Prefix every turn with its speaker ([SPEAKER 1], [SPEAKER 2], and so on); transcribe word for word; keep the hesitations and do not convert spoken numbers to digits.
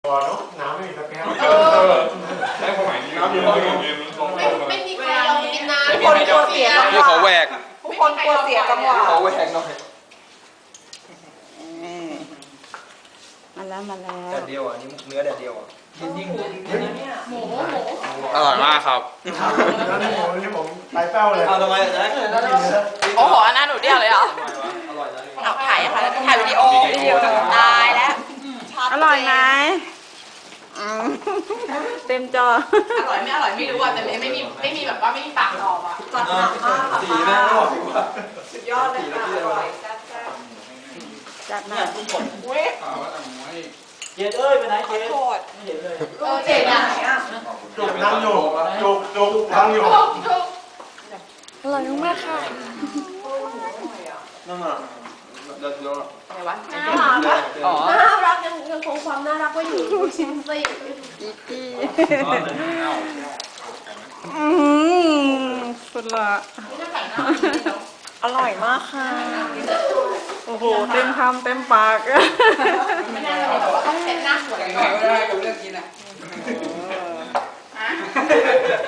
[SPEAKER 1] ตัวเนาะน้ำไม่มีตะแกรง
[SPEAKER 2] ได้ความหมายนี้น้ำอยู่ห้องเย็นไม่
[SPEAKER 3] ไม่มีใครยอมกินน้ำ
[SPEAKER 4] ทุกคนกลัวเสียจังห
[SPEAKER 5] นี่
[SPEAKER 4] วะ
[SPEAKER 5] ขอแหวก
[SPEAKER 4] ทุกคนกลัวเสียจังหวะ
[SPEAKER 5] ขอแหวกหน่อย
[SPEAKER 4] มาแล้วมาแล้ว
[SPEAKER 5] แดดเดียวอ่ะนี่เนื้อแดดเดียวอ่ะ
[SPEAKER 3] หมูหมู
[SPEAKER 5] อร่อยมากครับ
[SPEAKER 1] แล้วนี่ผมนี่ผมไตเป้าเลย
[SPEAKER 5] เอาทำไมอ่ะจ๊ะ
[SPEAKER 4] โอ้โหอันนั้นหนูเดียวเลยเหรอ
[SPEAKER 5] อร่อยนะ
[SPEAKER 4] เอาถ่ายอะค่ะถ่ายวิดีโอวิดีโอตายแล้วอร่อยไหมอืมเต็มจอ
[SPEAKER 3] อร่อยไม่อร่อยไม่รู้อ่ะแต่ไม่มีไม่มีแบบว่าไม่มีปากตอบอ่ะ
[SPEAKER 4] จัดหนักมากค่ะ
[SPEAKER 5] สีแม่งอร่อยว่ะ
[SPEAKER 4] สุดยอดเลยค่ะอร่อยแซ่บๆจัดหนักอุ้ย
[SPEAKER 5] เจดเอ้ยไปไหนเจด
[SPEAKER 4] โทษ
[SPEAKER 5] ไม่เห็นเลย
[SPEAKER 3] เออเจ๋งอ่ะ
[SPEAKER 1] จุกนั่งอยู่จุกจุกนั่งอยู่
[SPEAKER 3] ทุกทุก
[SPEAKER 4] อร่อยมากค่ะ
[SPEAKER 5] นั่นน่ะเดี๋ยวเดี๋ยว
[SPEAKER 4] อะไรวะ
[SPEAKER 3] น่ารักอ่ะ
[SPEAKER 4] อ๋อ
[SPEAKER 3] น่ารักยังยังคงความน่ารักไว้อยู่ชิมสิ
[SPEAKER 4] อีกี้อืมสุดละอร่อยมากค่ะโอ้โหเต็มคำเต็มปาก
[SPEAKER 3] ไม่ได้เลยบอกว่าต้องเซ็ตหน้าสวย
[SPEAKER 5] ไง
[SPEAKER 3] ก่อน
[SPEAKER 5] ไม่ได้กับเรื่องกินอ่ะ
[SPEAKER 3] ฮะ